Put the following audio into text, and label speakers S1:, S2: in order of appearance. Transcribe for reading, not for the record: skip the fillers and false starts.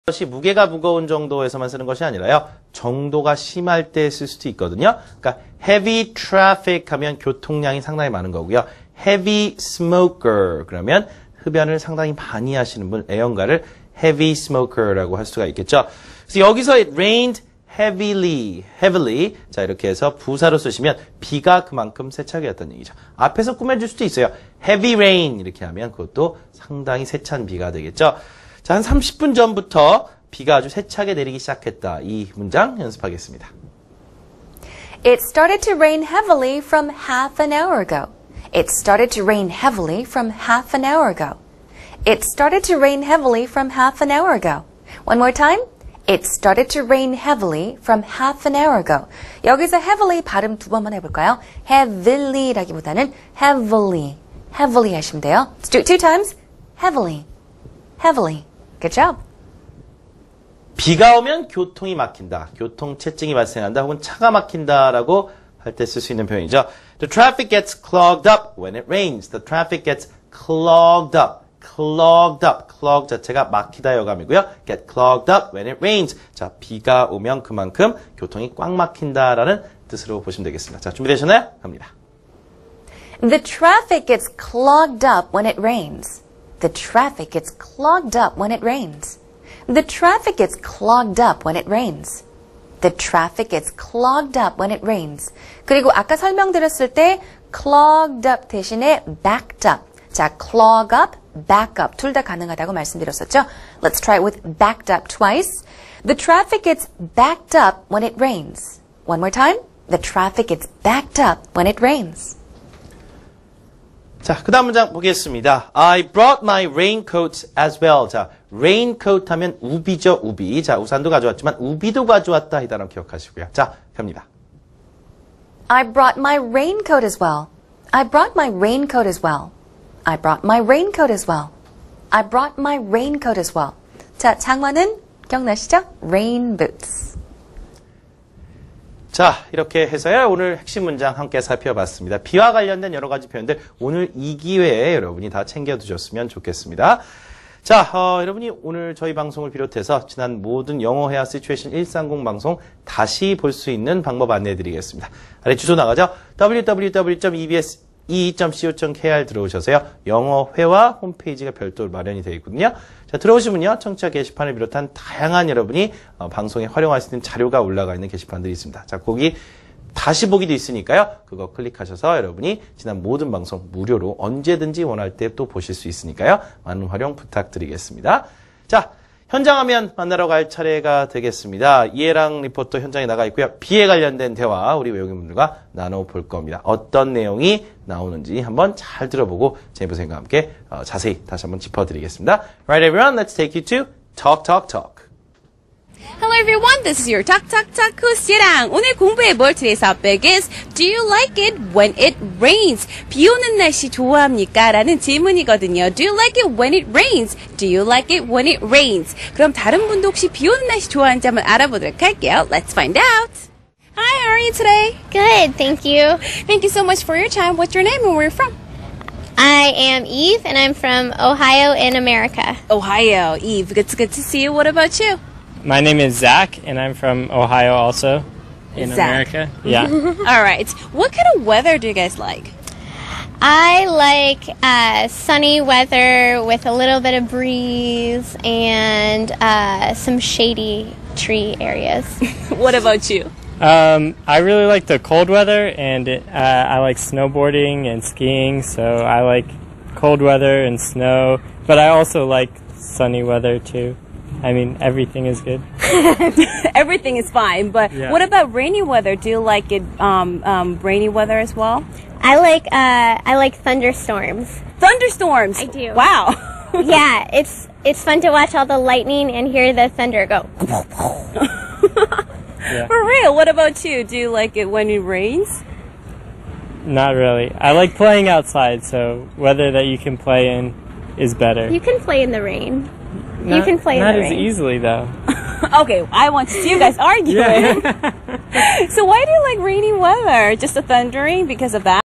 S1: 것이 무게가 무거운 정도에서만 쓰는 것이 아니라요. 정도가 심할 때 쓸 수도 있거든요. 그러니까 heavy traffic 하면 교통량이 상당히 많은 거고요. heavy smoker 그러면 흡연을 상당히 많이 하시는 분, 애연가를 heavy smoker라고 할 수가 있겠죠. 그래서 여기서 it rained heavily. 자, 이렇게 해서 부사로 쓰시면 비가 그만큼 세차게였다는 얘기죠. 앞에서 꾸며줄 수도 있어요. heavy rain 이렇게 하면 그것도 상당히 세찬 비가 되겠죠. 자, 한 30분 전부터 비가 아주 세차게 내리기 시작했다. 이 문장 연습하겠습니다.
S2: It started to rain heavily from half an hour ago. It started to rain heavily from half an hour ago. It started to rain heavily from half an hour ago. One more time. It started to rain heavily from half an hour ago. 여기서 heavily 발음 두 번만 해볼까요? heavily라기보다는 heavily 하시면 돼요. Let's do it two times. heavily. Good job.
S1: 비가 오면 교통이 막힌다. 교통체증이 발생한다. 혹은 차가 막힌다라고 할 때 쓸 수 있는 표현이죠. The traffic gets clogged up when it rains. The traffic gets clogged up. clog 자체가 막히다 여감이고요. get clogged up when it rains. 자, 비가 오면 그만큼 교통이 꽉 막힌다라는 뜻으로 보시면 되겠습니다. 자, 준비되셨나요? 갑니다.
S2: The traffic gets clogged up when it rains. The traffic gets clogged up when it rains. The traffic gets clogged up when it rains. The traffic gets clogged up when it rains. 그리고 아까 설명드렸을 때 clogged up 대신에 backed up. 자, clog up, back up 둘 다 가능하다고 말씀드렸었죠. Let's try it with backed up twice. The traffic gets backed up when it rains. One more time. The traffic gets backed up when it rains.
S1: 자, 그 다음 문장 보겠습니다. I brought my raincoat as well. 자, raincoat 하면 우비죠, 우비. 자, 우산도 가져왔지만 우비도 가져왔다. 이 단어 기억하시고요. 자, 갑니다.
S2: I brought my raincoat as well. I brought my raincoat as well. I brought my raincoat as well. I brought my raincoat as well. 자, 장화는 기억나시죠? rain boots.
S1: 자, 이렇게 해서요. 오늘 핵심 문장 함께 살펴봤습니다. 비와 관련된 여러 가지 표현들 오늘 이 기회에 여러분이 다 챙겨두셨으면 좋겠습니다. 자, 여러분이 오늘 저희 방송을 비롯해서 지난 모든 영어 회화 시츄에이션 130 방송 다시 볼 수 있는 방법 안내해드리겠습니다. 아래 주소 나가죠? www.ebs2.co.kr 들어오셔서요. 영어 회화 홈페이지가 별도로 마련이 되어 있거든요. 자, 들어오시면요. 청취자 게시판을 비롯한 다양한 여러분이 방송에 활용할 수 있는 자료가 올라가 있는 게시판들이 있습니다. 자, 거기 다시 보기도 있으니까요. 그거 클릭하셔서 여러분이 지난 모든 방송 무료로 언제든지 원할 때 또 보실 수 있으니까요. 많은 활용 부탁드리겠습니다. 자, 현장 화면 만나러 갈 차례가 되겠습니다. 이해랑 리포터 현장에 나가 있고요. 비에 관련된 대화 우리 외국인분들과 나눠볼 겁니다. 어떤 내용이 나오는지 한번 잘 들어보고 제보생과 함께 자세히 다시 한번 짚어드리겠습니다. Right everyone, let's take you to Talk Talk Talk.
S3: Hello everyone, this is your Talk Talk Talk host 예랑. 오늘 공부해볼 today's topic is Do you like it when it rains? 비 오는 날씨 좋아합니까? 라는 질문이거든요. Do you like it when it rains? Do you like it when it rains? 그럼 다른 분도 혹시 비 오는 날씨 좋아하는지 한번 알아보도록 할게요. Let's find out. Hi, how are you today?
S4: Good, thank you.
S3: Thank you so much for your time. What's your name and where are you from?
S4: I am Eve, and I'm from Ohio in America.
S3: Ohio. Eve, good to see you. What about you?
S5: My name is Zach, and I'm from Ohio also, in
S3: Zach.
S5: America. Yeah.
S3: All right. What kind of weather do you guys like?
S4: I like sunny weather with a little bit of breeze and some shady tree areas.
S3: What about you?
S5: I really like the cold weather, and I like snowboarding and skiing, so I like cold weather and snow, but I also like sunny weather too. I mean, everything is good.
S3: Everything is fine, but
S5: yeah.
S3: What about rainy weather? Do you like it rainy weather as well?
S4: I like thunderstorms.
S3: Thunderstorms.
S4: I do.
S3: Wow.
S4: Yeah, it's fun to watch all the lightning and hear the thunder go.
S5: Yeah.
S3: For real. What about you? Do you like it when it rains?
S5: Not really. I like playing outside, so weather that you can play in is better.
S4: You can play in the rain. You can play in the rain.
S5: Not as easily, though.
S3: Okay, I want to see you guys arguing.
S5: Yeah.
S3: So why do you like rainy weather? Just the thundering because of that?